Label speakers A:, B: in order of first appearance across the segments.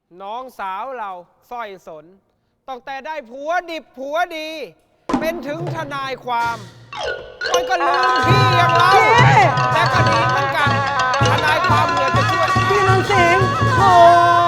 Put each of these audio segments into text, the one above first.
A: น้องสาวเราสร้อยสนตั้งแต่ได้ผัวดิบผัวดี เป็นถึงทนายความมันก็ลืมพี่อย่างเราแต่ก็ดีเหมือนกันทนายความเนี่ยจะช่วย
B: พี่นางสิงห์โอ้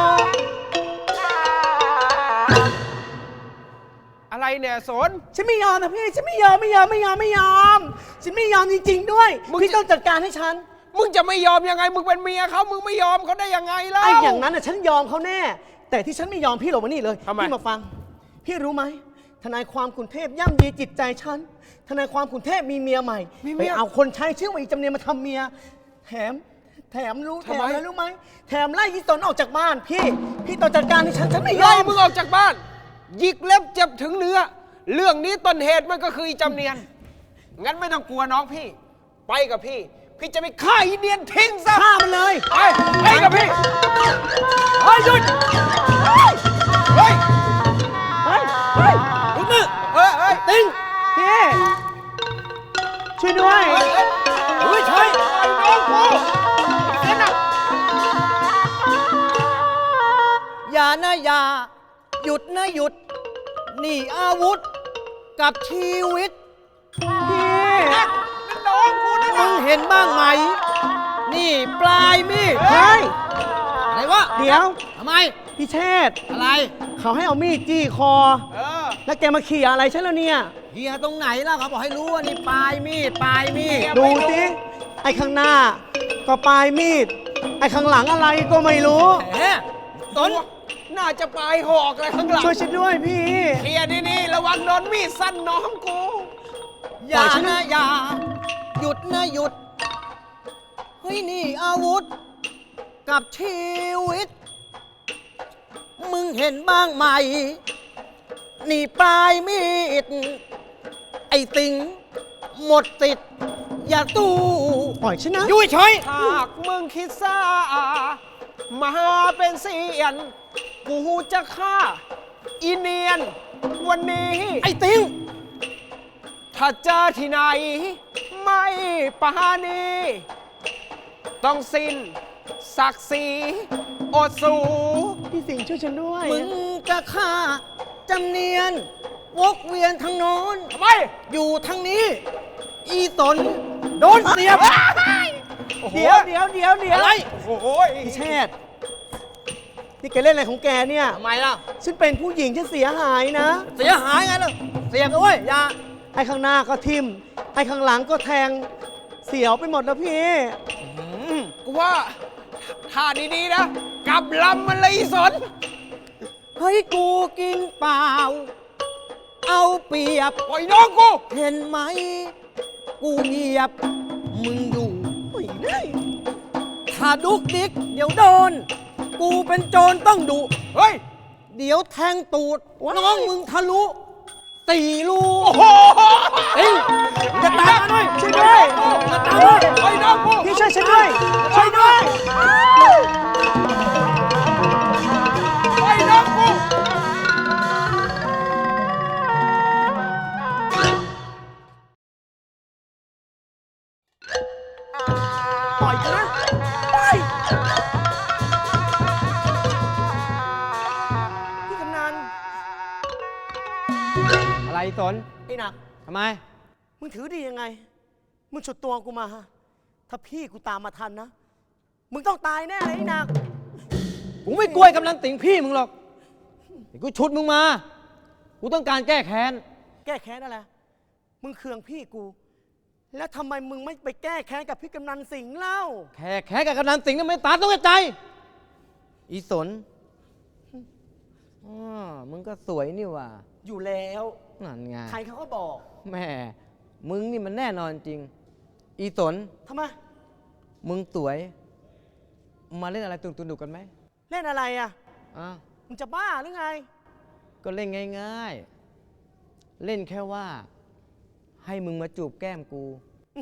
A: อะไรเนี่ยสน
B: ฉันไม่ยอมนะพี่ฉันไม่ยอมฉันไม่ยอมจริงๆด้วยพี่ต้องจัดการให้ฉัน
A: มึงจะไม่ยอมยังไงมึงเป็นเมียเขามึงไม่ยอมเขาได้ยังไงล่ะ
B: ไอ้อย่างนั้นน่ะฉันยอมเขาแน่แต่ที่ฉันไม่ยอมพี่หรอกวันนี้เลยพี่มาฟังพี่รู้ไหมทนายความขุนเทพย่ำยีจิตใจฉันทนายความขุนเทพมีเมียใหม่ไปเอาคนใช้ชื่อว่าอีจำเนียนมาทำเมียแถมอะไรรู้ไหมแถมไล่ยี่สนออกจากบ้านพี่ต้องจัดการให้ฉันไม่ยอม
A: ไล่มึงออกจากบ้านหยิกเล็บเจ็บถึงเนื้อเรื่องนี้ต้นเหตุมันก็คืออีจำเนียนงั้นไม่ต้องกลัวน้องพี่ไปกับพี่จะไปฆ่าอีเนียนทิ้งซะ
B: ฆ่ามันเลย
A: ไปกับพี่เฮ้ยหยุดเฮ้ย
B: ลุกมือติ้งพี่ช่วยด้วย
A: ใช่ไอ้น้องกูเสียหนัก
B: อย่านะอย่าหยุดนะหยุดนี่อาวุธกับชีวิตพี่
A: น้องกูนะ
B: มึงเห็นบ้างไหมนี่ปลายมีดเฮ้ยอะไรวะเดี๋ยวทำไมพี่เชษอะไรเขาให้เอามีดจี้คอแล้วแกมาเขี่ยอะไรใช่แล้วเนี่ยเขี่ยตรงไหนล่ะเขาบอกให้รู้ว่านี่ปลายมีดดูสิไอ้ข้างหน้าก็ปลายมีดไอ้ข้างหลังอะไรก็ไม่รู้
A: ต้นน่าจะปลายหอกอะไรข้างหลัง
B: ช่วยฉันด้วยพี่
A: เขี่ยนี่ระวังโดนมีดสั้นน้องกู
B: อย่านะอย่าหยุดนะหยุดเฮ้ยนี่อาวุธกับชีวิตมึงเห็นบ้างไหมนี่ปลายมีดไอ้ติงหมดติดอย่าตู้ปล่อยฉันนะ
A: ยุ่ยเฉยหากมึงคิดซ่ามาเป็นเสียนกูจะฆ่าอีเนียนวันนี้
B: ไอ้ติง
A: ถ้าเจอที่ไหนไม่ปาณีต้องสิ้นศักดิ์ศรีอดสูพี่สิงห์ช่วยฉันด้วย
B: มึงจะฆ่าจำเนียนวกเวียนทางโน้น
A: ทำไม
B: อยู่ทางนี้อีตนโดนเสียบเดี๋ยว
A: อะไรโอ้โห
B: พี่เชษนี่แกเล่นอะไรของแกเนี่ย
A: ทำไมล่ะ
B: ฉันเป็นผู้หญิงฉันเสียหายนะ
A: เสียหายไงล่ะเสียบด้วยอย่า
B: ไอ้ข้างหน้าก็ทิ่มไอ้ข้างหลังก็แทงเสียวไปหมดแล้วพี่
A: กูว่าท่าดีๆนะกลับลำมันเลยสน
B: เฮ้ยกูกินเปล่าเอาเปรียบ
A: ปล่อยน้องกู
B: เห็นไหมกูเงียบมึงอยู่ไม่ได้ถ้าดุกดิกเดี๋ยวโดนกูเป็นโจรต้องดุ
A: เฮ้ย
B: เดี๋ยวแทงตูดน้องมึงทะลุ4 รู
A: โอ้โห
B: จะตามมาด้วยช่วยด้วยจะตามมา
A: ไอ้น้องกู
B: พี่ช่วยฉันด้วยช่วยด้วย
A: ไอ้น้องกู
B: ปล่อยกันนะไปพี่กำนัน
A: อะไรสน
B: ไอ้หนัก
A: ทำไม
B: มึงถือดียังไงมึงฉุดตัวกูมาถ้าพี่กูตามมาทันนะมึงต้องตายแน่เลยไอ้หนัก
A: กูไม่กลัวกำลังติ่งพี่มึงหรอกกูฉุดมึงมากูต้องการแก้แค้น
B: อะไรมึงเคืองพี่กูแล้วทำไมมึงไม่ไปแก้แค้นกับพี่กำนันสิงห์เล่า
A: แค้นกับกำนันสิงห์นั่นไม่ตาต้องใจอีสนมึงก็สวยนี่ว่ะ
B: อยู่แล้ว
A: นั่นไง
B: ใครเขาก็บอก
A: แม่มึงนี่มันแน่นอนจริงอีสน
B: ทำไม
A: มึงสวยมาเล่นอะไรตุนๆกันไหม
B: เล่นอะไรอ่ะมึงจะบ้าหรือไง
A: ก็เล่นง่ายๆเล่นแค่ว่าให้มึงมาจูบแก้มกู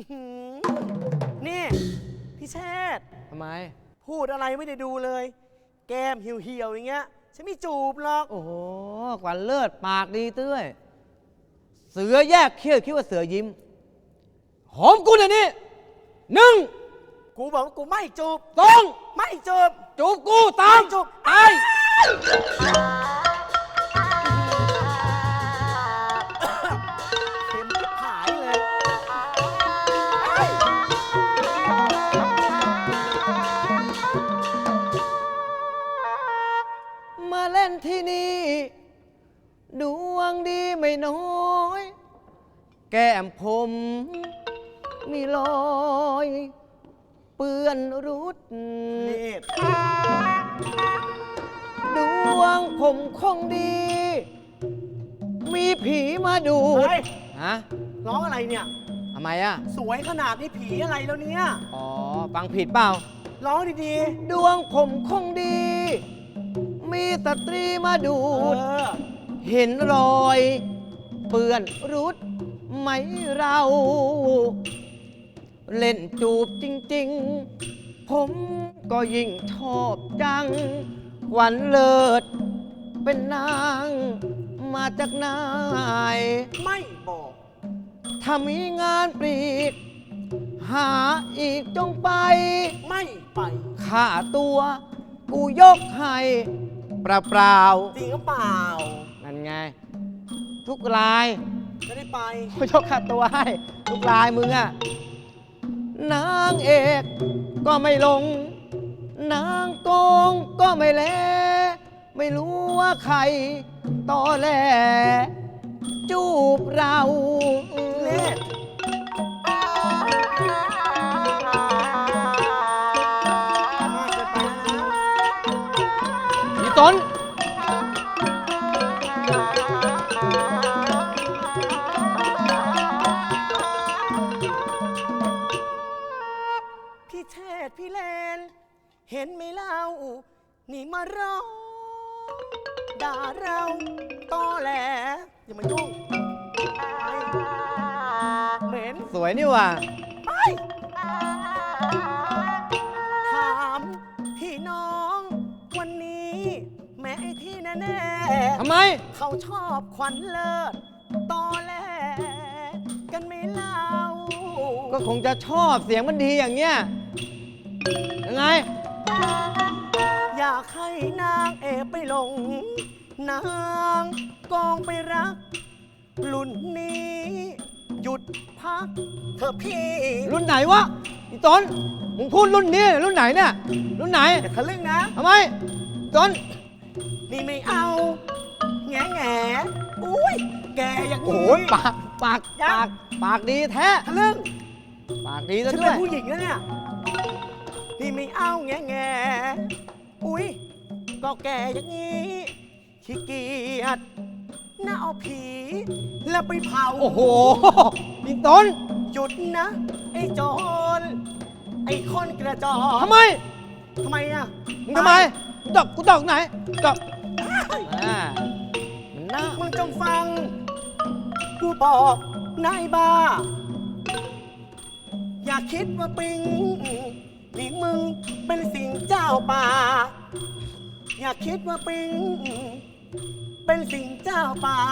B: นี่พี่เชษ
A: ทำไม
B: พูดอะไรไม่ได้ดูเลยแก้มเหี่ยวๆอย่างเงี้ยฉันไม่จูบหรอก
A: โอ้โหกว่าเลิศปากดีเต้ยเสือแยกเขี้ยวคิดว่าเสือยิ้มหอมกูเดี๋ยวนี้1
B: กูบอกว่ากูไม่จูบ
A: 2
B: ไม่จูบ
A: จูบกูตาม
B: จูบ
A: ตาย
B: ที่นี่ ดวงดีไม่น้อย แก้มผมมีรอยเปื้อนรุดดวงผมคงดี มีผีมาดู
C: เฮ้ย
B: ฮะ
C: ร้องอะไรเนี่ย
B: ทำไมอ่ะ
C: สวยขนาดนี้ผีอะไรแล้วเนี่ย
B: อ๋อ ฟังผิดเปล่า
C: ร้องดี
B: ดวงผมคงดี มีสตรีมาดู
C: ๆ
B: ด เห็นรอยเปื้อนรุดไหมเรา เล่นจูบจริงๆ ผมก็ยิ่งชอบจัง หวันเลิศเป็นนางมาจากไหน
C: ไม่บอก
B: ถ้ามีงานปลีก หาอีกจงไป
C: ไม่ไป
B: ค่าตัวกูยกให้เปล่า
C: จริงหรือเปล่า
B: ๆนั่นไง ทุกราย
C: ไม่ได้ไป
B: กูยกค่าตัวให้ ทุกรายมึงอะนางเอกก็ไม่ลง นางโกงก็ไม่แล ไม่รู้ว่าใครตอแหลจูบเรา
C: เล่น มากเกินไปแล้วนะ
B: อีต้น
C: พี่เชษฐ์พี่เลน เห็นไหมเล่า นี่มาร้องด่าเราตอแหลอย่ามายุ่งไปเหม็น
B: สวยนี่หว่า
C: ไปถามพี่น้องวันนี้ แม่ไอ้ที่แน่
B: ทำไม
C: ๆเขาชอบขวัญเลิศตอแหลกันไหม่เล่า
B: ก็คงจะชอบเสียงมันดีอย่างเงี้ย ยังไง
C: อยากให้นางเอกไปหลง นางกองไปรัก รุ่นนี้ หยุดพักเถอะพี่
B: รุ่นไหนวะอีต้นมึงพูดรุ่นนี้รุ่นไหนเนี่ย รุ่นไหน
C: อย่าทะลึ่งนะ
B: ทำไมต้น
C: นี่ไม่เอา แง่แง่อุ้ย แกอย่าง
B: โอ้
C: นี้
B: โหปากดีแท้
C: ทะลึ่ง
B: ปากดีซะ
C: ฉัน
B: ด้
C: เป็
B: วน ย
C: ผู้หญิงแล้วเนี่ย นี่ไม่เอาแง่แง่อุ้ย ก็แกอย่างนี้ขี้เกียจน่าเอาผี แล้วไปเผา
B: โอ้โหอีต้น
C: หยุดนะ ไอ้โจร ไอ้คนกระจอก
B: ทำไม
C: ทำไมอ่ะ
B: มึงทำไมกูตอกไหนตอกอ่ามันน่า
C: มึงจงฟัง กูบอกนายบ้า อย่าคิดว่าปิงนี่มึงเป็นสิ่งเจ้าป่า อย่าคิดว่าปิงเป็นสิ่งเจ้าป่า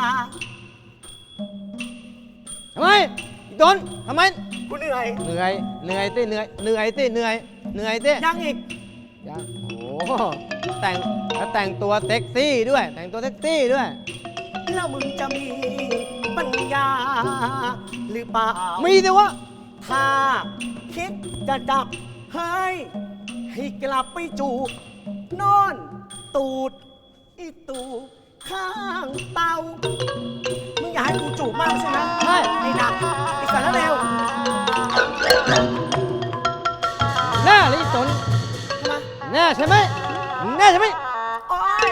B: ทำไมอีต้นทำไม
C: กูเหนื่อย
B: เหนื่อยสิเหนื่อยสิ
C: ยังอีก
B: ยังโอ้โหแต่งตัวเซ็กซี่ด้วย แต่งตัวเซ็กซี่ด้วย
C: แล้วมึงจะมีปัญญา หรือเปล่า
B: มีสิวะ
C: ถ้าคิดจะจับเฮ้ยให้กลับไปจูบนอนตูดอีตูข้างเตา มึงอยากให้กูจูบมากใช่ไหม
B: ใช่
C: ไอ้หนักไอ้สารเลว
B: แน่เลยอีต้น
C: ใช่ไหม
B: แน่ใช่ไหมมึงแน่ใช่ไหม
C: โอ๊ย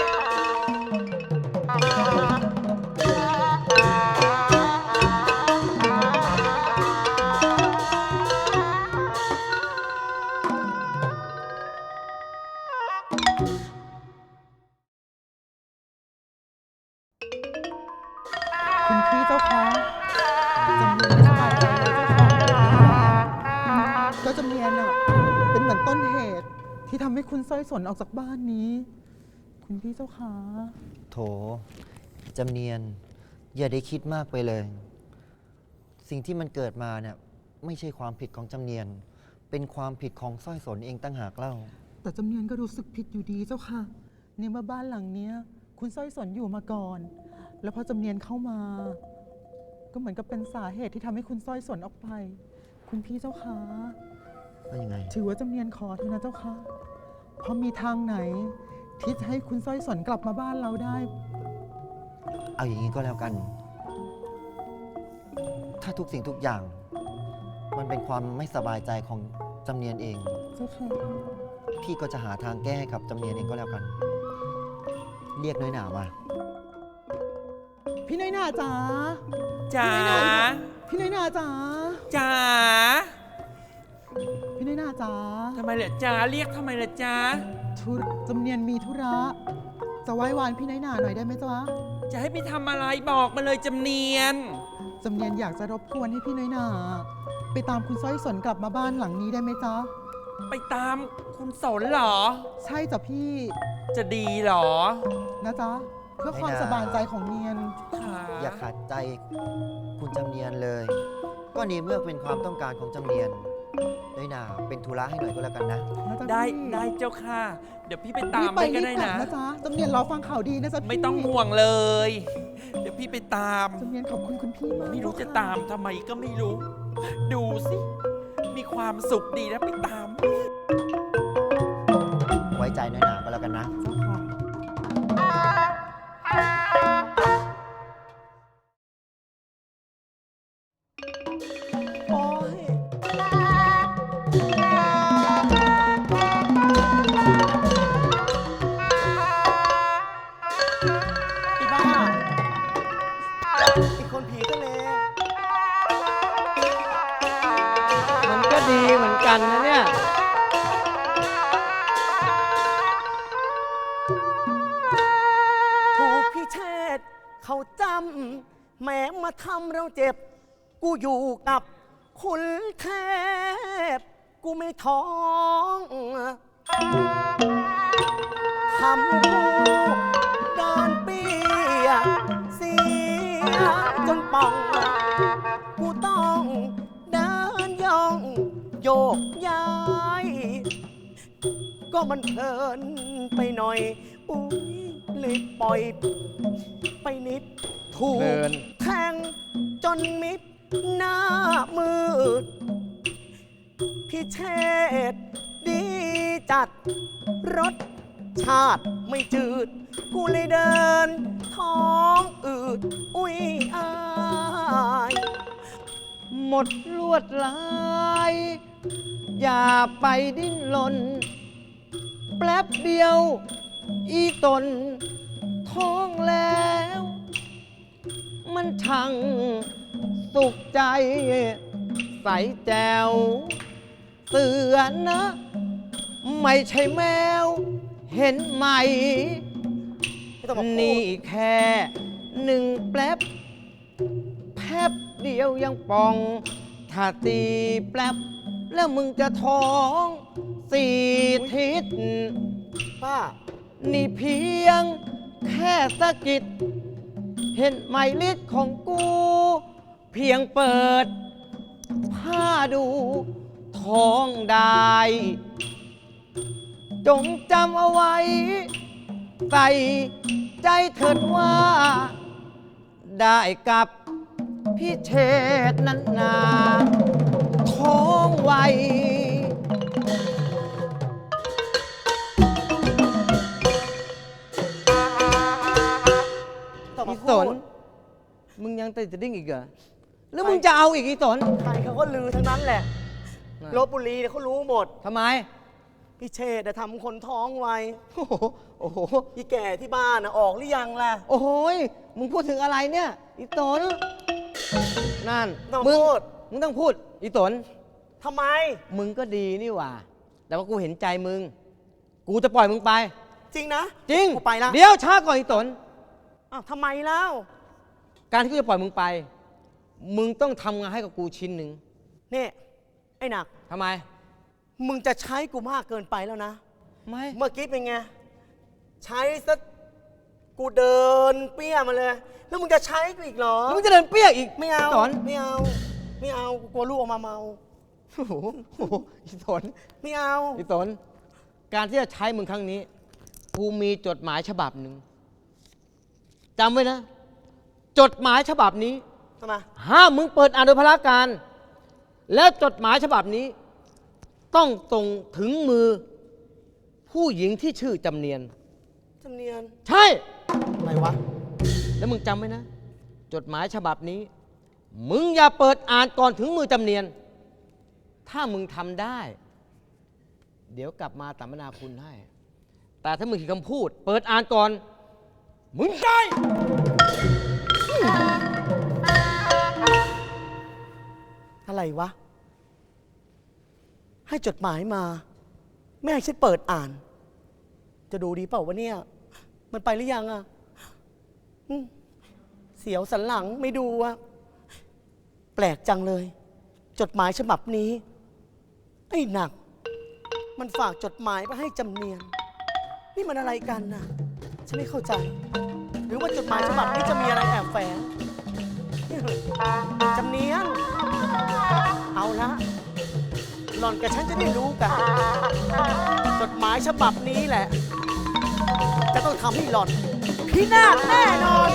D: คุณพี่เจ้าคะจำเนียนไม่สบายใจเลยเจ้าค่ะก็จำเนียนอะเป็นเหมือนต้นเหตุที่ทำให้คุณสร้อยสนออกจากบ้านนี้ คุณพี่เจ้าคะ
E: โถจำเนียน อย่าได้คิดมากไปเลย สิ่งที่มันเกิดมาเนี่ยไม่ใช่ความผิดของจำเนียน เป็นความผิดของสร้อยสนเองตั้งหากเล่า
D: แต่จำเนียนก็รู้สึกผิดอยู่ดีเจ้าค่ะในเมื่อบ้านหลังเนี้ย คุณสร้อยสนอยู่มาก่อน แล้วพอจำเนียนเข้ามา ก็เหมือนกับเป็นสาเหตุที่ทำให้คุณสร้อยสนออกไป คุณพี่เจ้าค่ะ
E: ว่ายังไง
D: ถือว่าจำเนียนขอเถอะนะเจ้าค่ะเพราะมีทางไหนที่จะให้คุณสร้อยสนกลับมาบ้านเราได้
E: เอาอย่างนี้ก็แล้วกัน ถ้าทุกสิ่งทุกอย่าง มันเป็นความไม่สบายใจของจำเนียนเอง
D: เจ้าค่ะ
E: พี่ก็จะหาทางแก้ให้กับจำเนียนเองก็แล้วกัน เรียกน้อยหนามา
D: พี่น้อยหนาจ๋า
F: จ๋า
D: พี่น้อยหนาจ๋า
F: จ๋า
D: พี่น้อยหนาจ๋า
F: ทำไมล่ะจ๋าเรียกทำไมล่ะจ๋า
D: จำเนียนมีธุระ จะไหว้วานพี่น้อยหนาหน่อยได้ไหมจ๊ะ
F: จะให้พี่ทำอะไรบอกมาเลยจำเนียน
D: จำเนียนอยากจะรบกวนให้พี่น้อยหนาไปตามคุณสร้อยสนกลับมาบ้านหลังนี้ได้ไหมจ๊ะ
F: ไปตามคุณสนเหรอ
D: ใช่จ้ะพี่
F: จะดีเหรอ
D: นะจ๊ะ เพื่อความ
E: ไม่น่า
D: สบายใจของเนียน
F: ค่ะ
E: อย่าขัดใจคุณจำเนียนเลย ก็นี่เมื่อเป็นความต้องการของจำเนียนน้อยหนาเป็นธุระให้หน่อยก็แล้วกันนะ
D: นะจ๊ะ
F: ได้
D: พี่
F: ได้เจ้าค่ะ เดี๋ยวพี่ไปตาม
D: รีบไป
F: ไปก็
D: รีบ
F: ได้
D: กลับ
F: นะ
D: นะจ๊ะจำเนียนรอฟังข่าวดีนะจ๊ะพี่
F: ไม่ต้องห่วงเลย เดี๋ยวพี่ไปตาม
D: จำเนียนขอบคุณคุณพี่มาก
F: ไม่รู้จะ
D: ค่
F: ตามทำไมก็ไม่รู้ ดูสิ มีความสุขดีนะไปตาม
E: ไว้ใจน้อยหนาก็แล้วกันนะ
D: เจ้าค่ะ
C: โอ้ยอีบ้าอีกคนผีทะเล
B: มันก็ดีเหมือนกันนะเนี่ย
C: ถูกพี่เชษฐ์เขาจำแหมมาทำเราเจ็บ กูอยู่กับคุณเทพ กูไม่ท้องทำกูเดินเปียกเสียจนป่อง กูต้องเดินย่อง โยกย้าย ก็มันเพลินไปหน่อย อุ้ยเลยปล่อยไปนิด ถูก
B: เพลิน
C: แทงจนมิดหน้ามืด พี่เชษฐ์ดีจัดรสชาติไม่จืด กูเลยเดิน ท้องอืด อุ้ยอาย
B: หมดลวดลาย อย่าไปดิ้นรนแป๊บเดียว อีตน ท้องแล้ว มันช่างสุขใจ ใสแจวเสือนะ ไม่ใช่แมว เห็นไหม
C: ไม่ต้องมาพู
B: นี่
C: ด
B: แค่หนึ่งแป๊บ แป๊บเดียวยังป่อง ถ้าตีแป๊บ แล้วมึงจะท้องสี่ทิศ
C: ป้า
B: นี่เพียงแค่สะกิด เห็นไหมฤทธิ์ของกู เพียงเปิด ผ้าดูท้องได้ จงจำเอาไว้ ใส่ใจเถิดว่า ได้กับพี่เชษฐ์นั้นนาท้องไว
C: ต้องมา
B: อีส
C: พู
B: น
C: ด
B: มึงยังติดจะดิ้งอีกเหรอ แล้วมึงจะเอาอีกอีสน
C: ใครเขาก็ลือทั้งนั้นแหละ
B: น่ะ
C: ลบบุรีเนี่ยเขารู้หมด
B: ทำไม
C: พี่เชษฐ์ทำคนท้องไว
B: โอ้โห โอ้โห
C: อีแก่ที่บ้านนะออกหรือยังล่ะ
B: โอ้โหยมึงพูดถึงอะไรเนี่ย อีสน นั่น
C: ต้อง
B: มึง
C: พูด
B: มึงต้องพูด อีสน
C: ทำไม
B: มึงก็ดีนี่หว่า แต่ว่ากูเห็นใจมึง กูจะปล่อยมึงไป
C: จริงนะ
B: จริง
C: กูไปละ
B: เดี๋ยวช้าก่อนอีสน
C: อ้าวทำไมแล้ว
B: การที่กูจะปล่อยมึงไป มึงต้องทำงานให้กับกูชิ้นหนึ่ง
C: นี่ไอ้หนัก
B: ทำไม
C: มึงจะใช้กูมากเกินไปแล้วนะ
B: ไม่
C: เมื่อกี้เป็นไง ใช้ซะกูเดินเปี้ยมาเลย แล้วมึงจะใช้กูอีกเหรอ
B: มึงจะเดินเปี้ยอีก
C: ไม่เอา
B: สน
C: ไม่เอา ไม่เอากูกลัวลูกออกมาเมา
B: โอ้โหโอ้โหอีสน
C: ไม่เอา
B: อีสน การที่จะใช้มึงครั้งนี้ กูมีจดหมายฉบับหนึ่งจำไว้นะ จดหมายฉบับนี้
C: ทำไม
B: ห้ามมึงเปิดอ่านโดยพลการ แล้วจดหมายฉบับนี้ ต้องส่งถึงมือ ผู้หญิงที่ชื่อจำเนียน
C: จำเนียน
B: ใช่
C: อะไรวะ
B: แล้วมึงจำไว้นะ จดหมายฉบับนี้ มึงอย่าเปิดอ่านก่อนถึงมือจำเนียน ถ้ามึงทำได้ เดี๋ยวกลับมาสัมมนาคุณให้ แต่ถ้ามึงขีดคำพูด เปิดอ่านก่อน มึงได้
C: อะไรวะ ให้จดหมายมา ไม่ให้ฉันเปิดอ่าน จะดูดีเปล่าวะเนี่ย มันไปหรือยังอะอืมเสียวสันหลังไม่ดูอะแปลกจังเลย จดหมายฉบับนี้ ไอ้หนัก มันฝากจดหมายไปให้จำเนียน นี่มันอะไรกันน่ะ ฉันไม่เข้าใจ หรือว่าจดหมายฉบับนี้จะมีอะไรแอบแฝงจำเนียน เอาละหล่อนกับฉันจะได้รู้กัน จดหมายฉบับนี้แหละ จะต้องทำให้หล่อนพินาศแน่นอน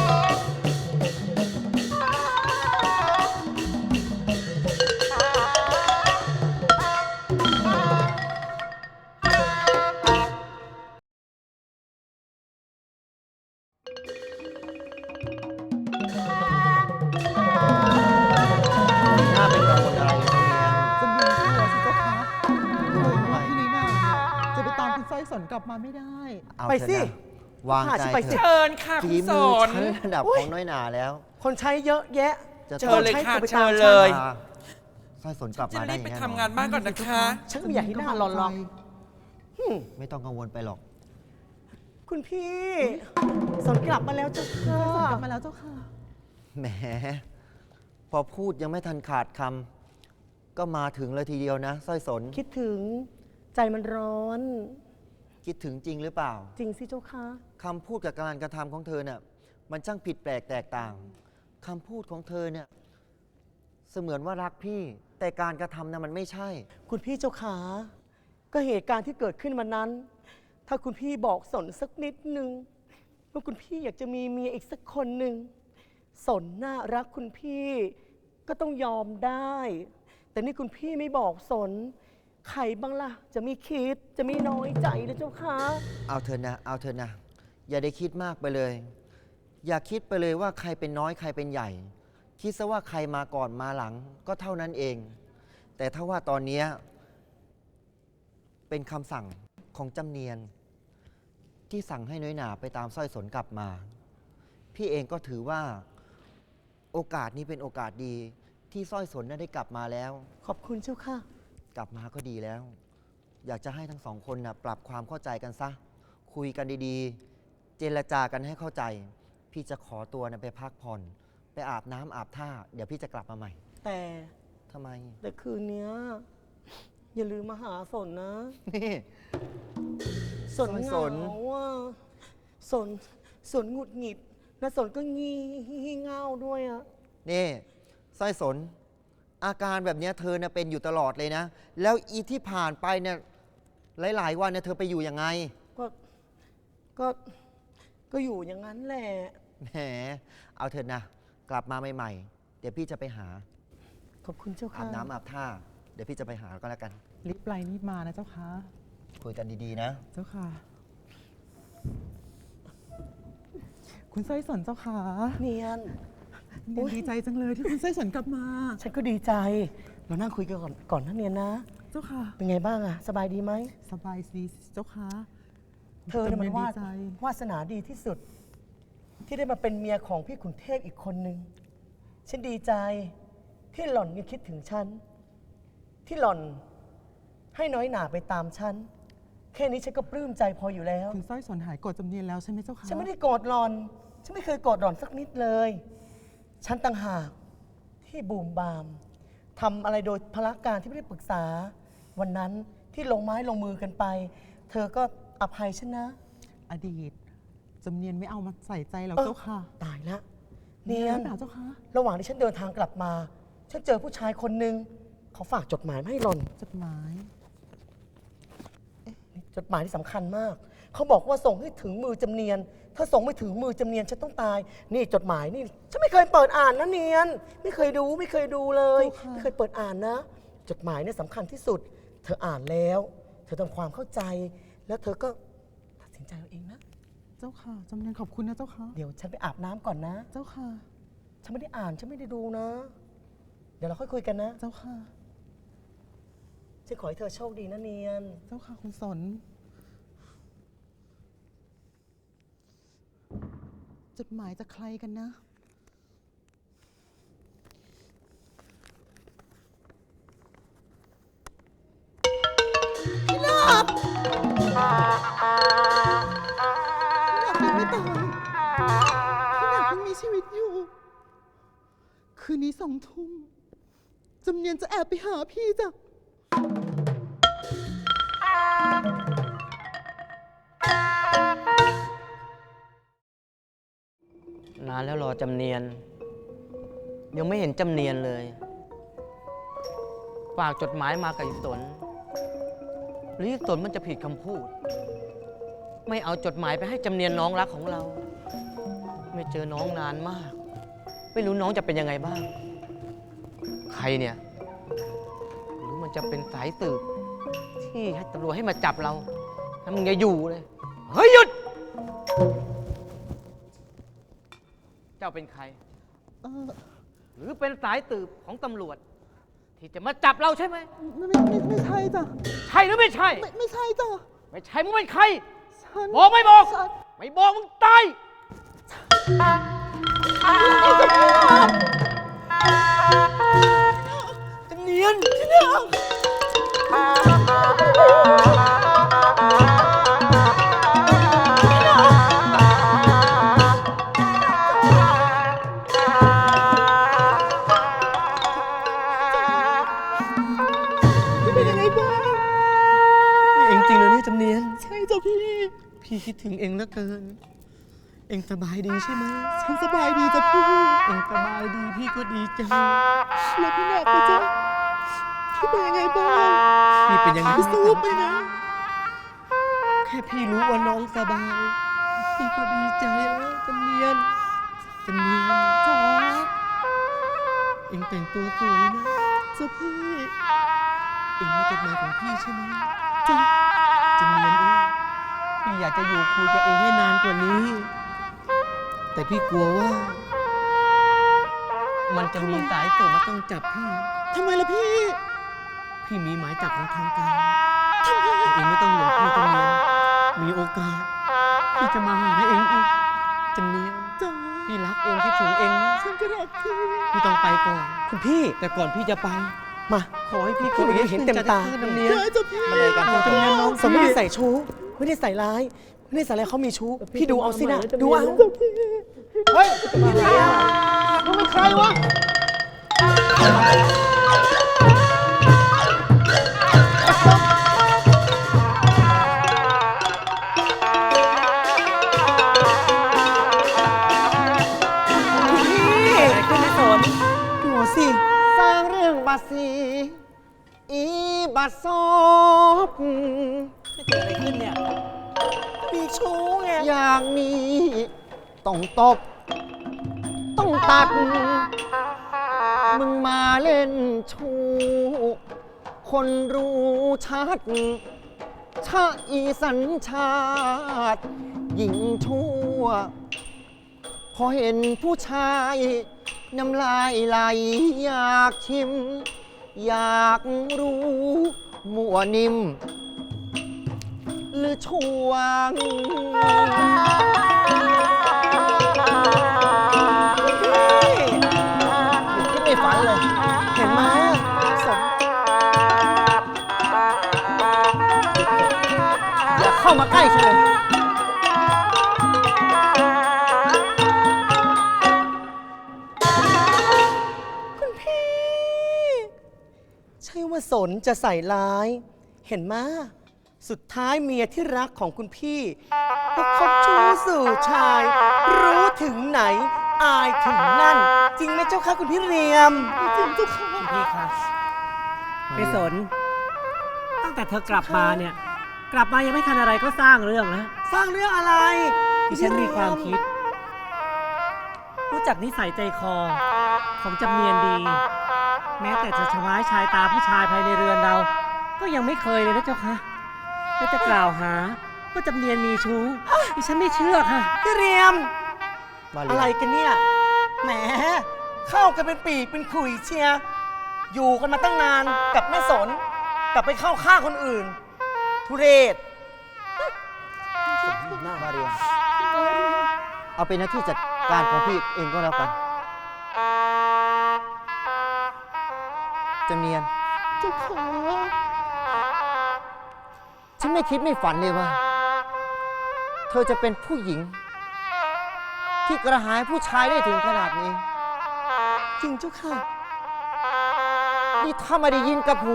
E: น่าเป็นกังวลอะไรเลยจำเนียน
D: จำเนียนกลัวสิเจ้าคะกลัวว่าพี่น้อยหนาเนี่ยจะไปตามคุณสร้อยสนกลับมาไม่ได้
E: เอา
C: ไป
E: เถอะ
C: สิ
E: นะวาง
C: พา
E: ใจ
C: ฉันไป
E: เถ
C: สิ
E: อะ
F: เชิญค่ะ
E: ฝี
F: คุณส
E: มือน ฉันระดับ
C: อุ๊
E: ข
C: ย
E: องน้อยหนาแล้ว
C: คนใช้เยอะแยะ
E: จะ
F: เชิญเลยค่ะ
C: ต้องใช้
F: เชิญ
C: ตัวไปตาม
F: เลย
E: สร้อยสนกลับ
F: จะ
E: มาได้
F: รีบ
E: อย่
F: ไป
E: แน่
F: ทำงานบ้านก่อนนะคะ
C: ฉันก็ไม่อยากให้หน้าหล่อนหรอก
E: ไม่ต้องกังวลไปหรอก
C: คุณพี่ สนกลับมาแล้วเจ้าค่ะ
D: กลับมาแล้วเจ้าค่ะ
E: แหม พอพูดยังไม่ทันขาดคำก็มาถึงเลยทีเดียวนะสร้อยสน
C: คิดถึงใจมันร้อน
E: คิดถึงจริงหรือเปล่า
C: จริงสิเจ้าค่ะ
E: คำพูดกับการกระทำของเธอเนี่ยมันช่างผิดแปลกแตกต่างคำพูดของเธอเนี่ยเสมือนว่ารักพี่ แต่การกระทำน่ะมันไม่ใช่
C: คุณพี่เจ้าขาก็เหตุการณ์ที่เกิดขึ้นวันนั้น ถ้าคุณพี่บอกสนสักนิดนึงว่าคุณพี่อยากจะมีเมียอีกสักคนหนึ่งสนน่ารักคุณพี่ก็ต้องยอมได้ แต่นี่คุณพี่ไม่บอกสนใครบ้างล่ะ จะมีคิดจะมีน้อยใจนะเจ้าค่ะ
E: เอาเธอนะ เอาเธอนะ อย่าได้คิดมากไปเลย อย่าคิดไปเลยว่าใครเป็นน้อยใครเป็นใหญ่ คิดซะว่าใครมาก่อนมาหลังก็เท่านั้นเอง แต่ถ้าว่าตอนเนี้ยเป็นคำสั่งของจำเนียน ที่สั่งให้น้อยหนาไปตามสร้อยสนกลับมา พี่เองก็ถือว่าโอกาสนี้เป็นโอกาสดีที่สร้อยสนน่ะได้กลับมาแล้ว
C: ขอบคุณเจ้าค่ะ
E: กลับมาก็ดีแล้ว อยากจะให้ทั้งสองคนนะปรับความเข้าใจกันซะ คุยกันดีๆ เจรจากันให้เข้าใจ พี่จะขอตัวนะไปพักผ่อน ไปอาบน้ำอาบท่า เดี๋ยวพี่จะกลับมาใหม่
C: แต่
E: ทำไม
C: แต่คืนเนี้ยอย่าลืมมาหาสนนะ
E: นี่
C: สนเห
E: ส
C: งาน ว่าสนหงุดหงิดและสนก็งีเง่าด้วยอะ
E: นี่สร้อยสน อาการแบบเนี้ยเธอเนะเป็นอยู่ตลอดเลยนะ แล้วอีที่ผ่านไปเนี่ยหลายๆวันเนี่ยเธอไปอยู่ยังไง
C: ก็ก็ก็อยู่อย่างนั้นแหละ
E: แหม เอาเถอะนะ กลับมาใหม่ๆ เดี๋ยวพี่จะไปหา
C: ขอบคุณเจ้า
E: อา
C: ค่ะ
E: บน้ำอาบท่า เดี๋ยวพี่จะไปหาก็แล้วกัน
D: รีบไปรีบมานะเจ้าค่ะ
E: คุยกันดีๆนะ
D: เจ้าค่ะ คุณสร้อยสนเจ้าค่ะ
C: เนียน
D: เนียนดีใจจังเลยที่คุณสร้อยสนกลับมา
C: ฉันก็ดีใจ เรานั่งคุยกันก่อนนะเนียนนะ
D: เจ้าค่ะ
C: เป็นไงบ้างอะสบายดีไหม
D: สบายดีเจ้าค่ะ
C: เธอเนี่ยมัน
D: ดีใจ
C: วาสนาดีที่สุด ที่ได้มาเป็นเมียของพี่ขุนเทพอีกคนนึง ฉันดีใจที่หล่อนยังคิดถึงฉัน ที่หล่อนให้น้อยหนาไปตามฉัน แค่นี้ฉันก็ปลื้มใจพออยู่แล้ว
D: คุณสร้อยสนหายโกรธจำเนียนแล้วใช่ไหมเจ้าค่ะ
C: ฉันไม่ได้โกรธหล่อน ฉันไม่เคยโกรธหล่อนสักนิดเลย ฉันต่างหากที่บูมบามทำอะไรโดยพละการที่ไม่ได้ปรึกษา วันนั้นที่ลงไม้ลงมือกันไป เธอก็อภัยฉันนะ
D: อดีตจำเนียนไม่เอามาใส่ใจแล้ว
C: เออ
D: เจ้าค่ะ
C: ตายละเนีย
D: ห
C: น
D: รือเปล่าเจ้าค่ะ
C: ระหว่างที่ฉันเดินทางกลับมา ฉันเจอผู้ชายคนหนึ่งเขาฝากจดหมายมาให้หล่อน
D: จดหมาย
C: จดหมายที่สำคัญมาก เขาบอกว่าส่งให้ถึงมือจำเนียน ถ้าส่งไม่ถึงมือจำเนียนฉันต้องตาย นี่จดหมายนี่ ฉันไม่เคยเปิดอ่านนะเนียน ไม่เคยดูไม่เคยดูเลย
D: เจ้าค่ะ
C: ไม่เคยเปิดอ่านนะ จดหมายเนี่ยสำคัญที่สุด เธออ่านแล้ว เธอทำความเข้าใจ แล้วเธอก็ตัดสินใจเอาเองนะ
D: เจ้าค่ะจำเนียนขอบคุณนะเจ้าค่ะ
C: เดี๋ยวฉันไปอาบน้ำก่อนนะ
D: เจ้าค่ะ
C: ฉันไม่ได้อ่าน ฉันไม่ได้ดูนะ เดี๋ยวเราค่อยคุยกันนะ
D: เจ้าค่ะ
C: ฉันขอให้เธอโชคดีนะเนียน
D: เจ้าค่ะคุณสน จดหมายจากใครกันนะ พี่นาบพี่นาบยังไม่ตายพี่นาบยังมีชีวิตอยู่ คืนนี้2 ทุ่มจำเนียนจะแอบไปหาพี่จ้ะ
B: นานแล้วรอจำเนียน ยังไม่เห็นจำเนียนเลย ฝากจดหมายมากับอีสนหรืออีสนมันจะผิดคำพูด ไม่เอาจดหมายไปให้จำเนียนน้องรักของเรา ไม่เจอน้องนานมาก ไม่รู้น้องจะเป็นยังไงบ้าง ใครเนี่ย หรือมันจะเป็นสายสืบที่ให้ตำรวจให้มาจับเราถ้ามึงอย่าอยู่เลย เฮ้ยหยุด เจ้าเป็นใคร หรือเป็นสายสืบของตำรวจ ที่จะมาจับเราใช่ไหม
D: ไม่ใช่จ้ะ
B: ใช่หรือไม่ใช่
D: ไม่ใช่จ้ะ
B: ไม่ใช่มึงเป็นใคร
D: ฉัน
B: บอกไม่บอก
D: ฉัน
B: ไม่บอกมึงตาย
C: จำเนียนที่เนี่ย
D: พี่เป็นยังไงบ้าง
B: นี่เองจริงเลยนี่จำเนียน
D: ใช่จ้ะพี่
B: พี่คิดถึงเองเหลือเกิน เองสบายดีใช่ไหม
D: ฉันสบายดีจ้ะพี่
B: เองสบายดีพี่ก็ดีใจ
D: แล้วพี่แนบนะจ๊ะพี่เป็นยังไงบ้าง
B: พี่เป็นยังไง
D: พี่สู้ไปนะ
B: แค่พี่รู้ว่าน้องสบาย พี่ก็ดีใจแล้วจำเนียนจำเนียน
D: จ๋า
B: เองแต่งตัวสวยนะ
D: จ้ะพี่
B: เองมาจดหมายของพี่ใช่ไหม
D: จ้ะ
B: จำเนียนเองพี่อยากจะอยู่คุยกับเองให้นานกว่านี้ แต่พี่กลัวว่า มันจะมีสายสืบมาต้องจับพี่
D: ทำไมล่ะพี่
B: พี่มีหมายจับของทางการแต่เองไม่ต้องห่วงพี่จำเนียนมีโอกาส พี่จะมาหาเองอีกจำเนียน
D: จ๋า
B: พี่รักเองคิดถึงเองนะ
D: ฉันก็รักพี่
B: พี่ต้องไปก่อน
C: คุณพี่
B: แต่ก่อนพี่จะไป
C: มา
B: ขอให้พี่
C: พูดอย่างนี้เห็นเต็มตา
B: จำเนียน
D: ได้จ้ะพี่
B: มาเลยกันจำเนียนน้อง
C: สมไม่ได้ใส่ชู้ ไม่ได้ใส่ร้าย ไม่ได้ใส่อะไรเขามีชู้ พี่ดูเอาสินะ ดูเอา
D: เฮ้ยมึงเป็นใครวะ
C: พี่คุณไม่สนดูสิ
B: สร้างเรื่องบาสีอีบัดซอบ
C: เกิดอะไรขึ้นเนี่ย มีชู้ไง
B: อย่างนี้ต้องตบ ต้องตัด มึงมาเล่นชู้คนรู้ชัด ชาอีสัญชาติหญิงชั่ว พอเห็นผู้ชายน้ำลายไหลอยากชิม อยากรู้มัวนิ่ม หรือช่วง คิดไม่ฝันเลย
C: เห็นไหมสม
B: อย่าเข้ามาใกล้ฉันเลย
C: คุณพี่ ใช่ว่าสนจะใส่ร้าย เห็นไหมสุดท้ายเมียที่รักของคุณพี่ก็คบชู้สู่ชาย รู้ถึงไหน อายถึงนั่น จริงไหมเจ้าคะคุณพี่เรียม
D: จริงเจ้าค่ะ
G: พี่ครับพี่สน ตั้งแต่เธอกลับมาเนี่ย กลับมายังไม่ทันอะไรก็สร้างเรื่องแล้ว
C: สร้างเรื่องอะไร
G: ที่ฉันมีความคิด รู้จักนิสัยใจคอของจำเนียนดี แม้แต่จะชว้ายชายตาผู้ชายภายในเรือนเรา ก็ยังไม่เคยเลยนะเจ้าคะแล้วจะกล่าวหาว่าจำเนียนมีชู้ดิฉันไม่เชื่อค่ะ
C: พี่เรียม
E: มาเรี
C: อะ
E: ย
C: ไร
E: ม
C: กันเนี่ย แหม เข้ากันเป็นปีกเป็นขุยเชียร์อยู่กันมาตั้งนานกับแม่สน กลับไปเข้าข้างคนอื่น ทุเรศสมน้ำหน้า
E: มาเรียมเอาเป็นหน้าที่จัดการของพี่เองก็แล้วกันจำเนียน
D: เจ้าขา
E: ฉันไม่คิดไม่ฝันเลยว่า เธอจะเป็นผู้หญิง ที่กระหายผู้ชายได้ถึงขนาดนี้
C: จริงเจ้าค่ะ
E: นี่ถ้าไม่ได้ยินกับหู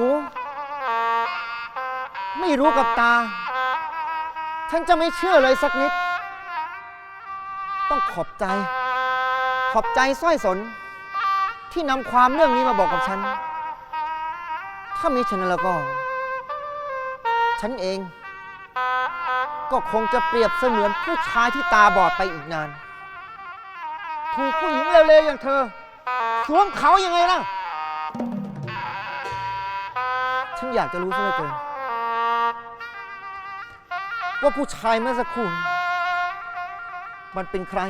E: ไม่รู้กับตา ฉันจะไม่เชื่อเลยสักนิด ต้องขอบใจ ขอบใจสร้อยสน ที่นำความเรื่องนี้มาบอกกับฉัน ถ้ามีฉันแล้วก็ ฉันเอง ก็คงจะเปรียบเสมือนผู้ชายที่ตาบอดไปอีกนาน ถูกผู้หญิงเร็วๆอย่างเธอ สวมเขายังไงล่ะ ฉันอยากจะรู้ซะเหลือเกินว่าผู้ชายเมื่อสักครู่มันเป็นใคร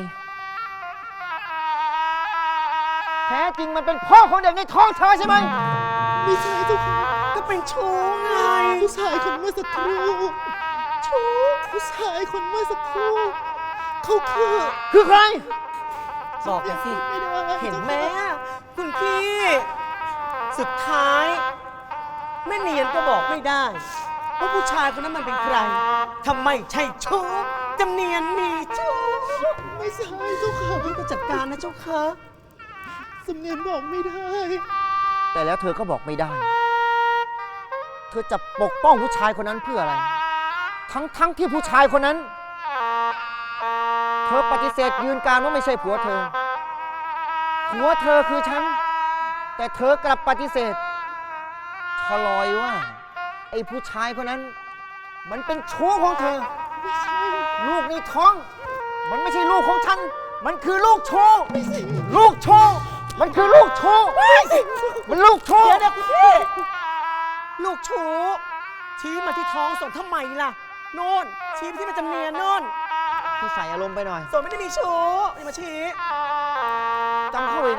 E: แท้จริงมันเป็นพ่อของเด็กในท้องเธอใช่ไหม
D: ไม่ใช่เจ้าค่ะ
C: ก็เป็นชู้ไง
D: ผู้ชายคนเมื่อสักครู่ชูผู้ชายคนเมื่อสักครู่เขา
E: คือใคร
C: บอกกันสิ
D: ไม่ได้
C: เห็นไหมคุณพี่ สุดท้ายแม่เนียนก็บอกไม่ได้ว่าผู้ชายคนนั้นมันเป็นใครทำไมใช่ชู้จำเนียนมีชู้
D: ไม่ใช่เจ้าค่ะ
C: พี่ก็จัดการนะเจ้าค่ะ
D: สำเนียนบอกไม่ได้
E: แต่แล้วเธอก็บอกไม่ได้ เธอจะปกป้องผู้ชายคนนั้นเพื่ออะไร ทั้งที่ผู้ชายคนนั้น เธอปฏิเสธยืนการว่าไม่ใช่ผัวเธอ ผัวเธอคือฉัน แต่เธอกลับปฏิเสธชลอยว่า ไอ้ผู้ชายคนนั้น มันเป็นชู้ของเธอ ลูกในท้อง มันไม่ใช่ลูกของฉัน มันคือลูกชู้ลูกชู้มันคือลูกชู้มันลูกชู้
C: เดี๋ยวคุณพี่ลูกชู้ชี้มาที่ท้องส่งทำไมล่ะโน่นชี้ไปที่มันจำเนียนโน่น
E: ที่ใส่อารมณ์ไปหน่อย
C: ส่วนไม่ได้มีชู้อย่ามาชี้
E: จำเข้าไว้นะ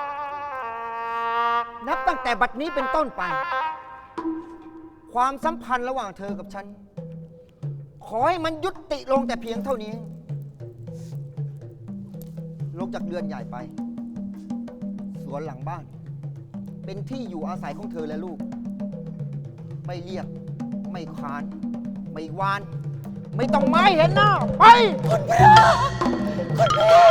E: นับตั้งแต่บัดนี้เป็นต้นไป ความสัมพันธ์ระหว่างเธอกับฉัน ขอให้มันยุติลงแต่เพียงเท่านี้ ลงจากเรือนใหญ่ไป สวนหลังบ้าน เป็นที่อยู่อาศัยของเธอและลูก ไม่เรียก ไม่คาน ไม่วาน ไม่ต้องไม้เห็นหน้า ไปคุณพี่คุณพี่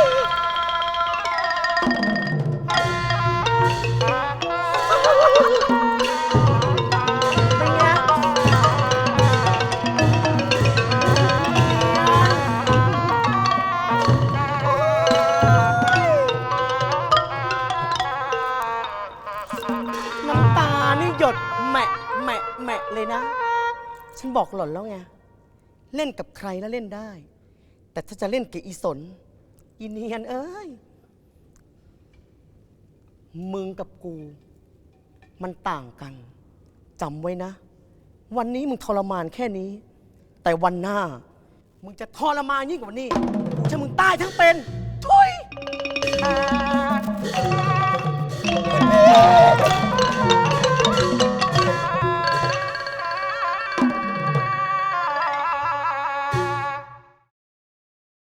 C: เป็นไงน้ำตานี่หยดแหมะแหมะแหมะเลยนะ ฉันบอกหล่อนแล้วไง เล่นกับใครแล้วเล่นได้ แต่ถ้าจะเล่นกับอีสน อีเนียนเอ้ย มึงกับกู มันต่างกัน จำไว้นะ วันนี้มึงทรมานแค่นี้ แต่วันหน้า มึงจะทรมานยิ่งกว่านี้กูจะมึงตายทั้งเป็น ทุย